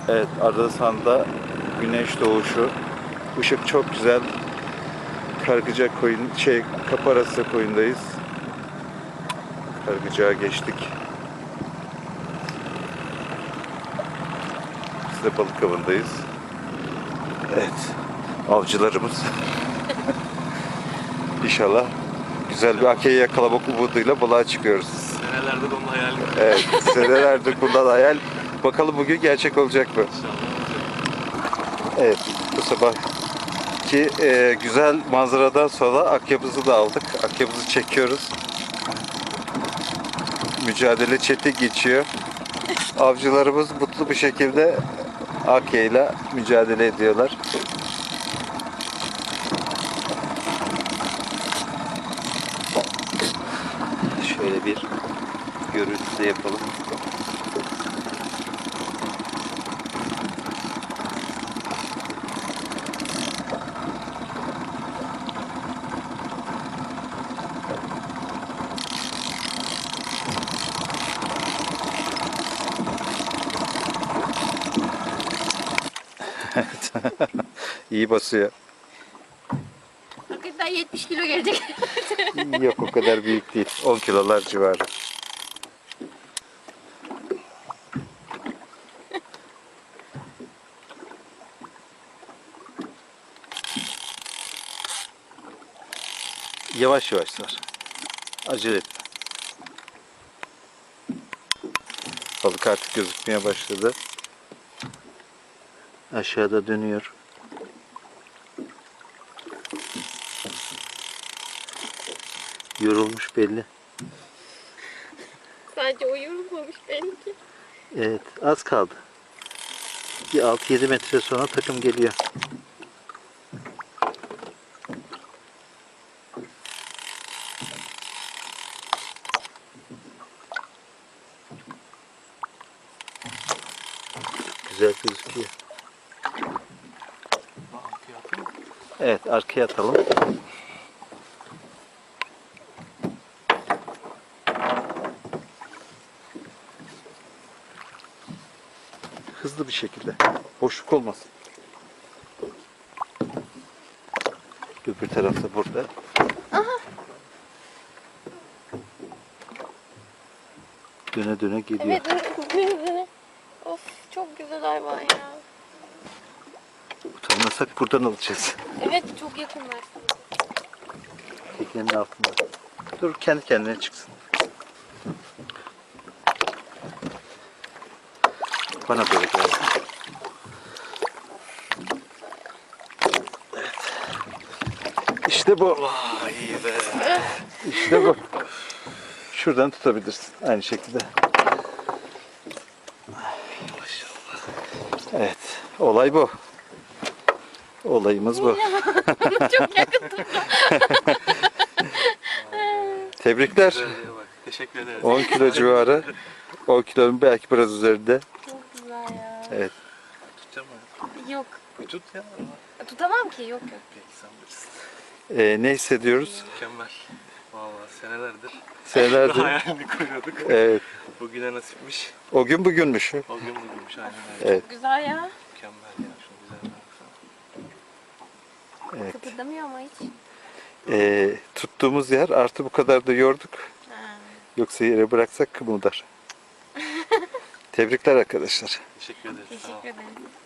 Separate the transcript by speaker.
Speaker 1: Evet, Adrasan'da güneş doğuşu. Işık çok güzel. Kargıca koyun, Kaparası koyundayız. Kargıcağa geçtik. Biz de balık avındayız. Evet, avcılarımız. İnşallah güzel bir akeyi yakalamak umuduyla balığa çıkıyoruz.
Speaker 2: Senelerde de onun hayalini kurdum.
Speaker 1: Evet, senelerdir bundan hayal. Bakalım bugün gerçek olacak mı? Evet, bu sabahki güzel manzaradan sonra akyabızı da aldık. Akyabızı çekiyoruz. Mücadele çetin geçiyor. Avcılarımız mutlu bir şekilde akyayla mücadele ediyorlar. Şöyle bir görüntü de yapalım. İyi basıyor.
Speaker 3: Hakikaten 70 kilo gelecek.
Speaker 1: Yok, o kadar büyük değil. 10 kilolar civarı. Yavaş yavaş sar. Acele etme. Balık artık gözükmeye başladı. Aşağıda dönüyor. Yorulmuş belli.
Speaker 3: Sadece o yorulmamış benimki.
Speaker 1: Evet, az kaldı. Bir 6-7 metre sonra takım geliyor. Güzel gözüküyor. Evet, arkaya atalım. Hızlı bir şekilde. Boşluk olmasın. Öbür tarafta burada. Döne döne geliyor.
Speaker 3: Evet. Of, çok güzel hayvan ya.
Speaker 1: Utanmasak buradan alacağız.
Speaker 3: Evet, çok yakınlar.
Speaker 1: Teknenin altında. Dur, kendi kendine çıksın. Bana böyle gelsin. Evet. İşte bu.
Speaker 2: Vay iyi be.
Speaker 1: İşte bu. Şuradan tutabilirsin. Aynı şekilde.
Speaker 2: Maşallah.
Speaker 1: Evet. Olay bu. Olayımız bu.
Speaker 3: Çok yakın tuttu.
Speaker 1: Tebrikler.
Speaker 2: Güzelliğe bak. Teşekkür ederiz.
Speaker 1: 10 kilo civarı. 10 kilonun belki biraz üzerinde.
Speaker 3: Çok güzel ya.
Speaker 1: Evet.
Speaker 2: Tutacağım mı?
Speaker 3: Yok.
Speaker 2: Bir tut ya.
Speaker 3: Tutamam ki, yok.
Speaker 2: Peki sen bilirsin.
Speaker 1: Ne hissediyoruz?
Speaker 2: Mükemmel. Vallahi senelerdir
Speaker 1: Senelerdir.
Speaker 2: hayalini kuruyorduk.
Speaker 1: Evet.
Speaker 2: Bugüne nasipmiş.
Speaker 1: O gün bugünmüş.
Speaker 2: O gün bugünmüş aynen öyle.
Speaker 1: Evet.
Speaker 3: Güzel ya.
Speaker 2: Mükemmel ya. Şunu güzel baksana.
Speaker 1: Evet.
Speaker 3: Kıpırdamıyor ama hiç.
Speaker 1: Tuttuğumuz yer artı bu kadar da yorduk.
Speaker 3: Ha.
Speaker 1: Yoksa yere bıraksak kımıldar. Tebrikler arkadaşlar.
Speaker 2: Teşekkür ederiz. Sağ ol.
Speaker 3: Teşekkür ederim.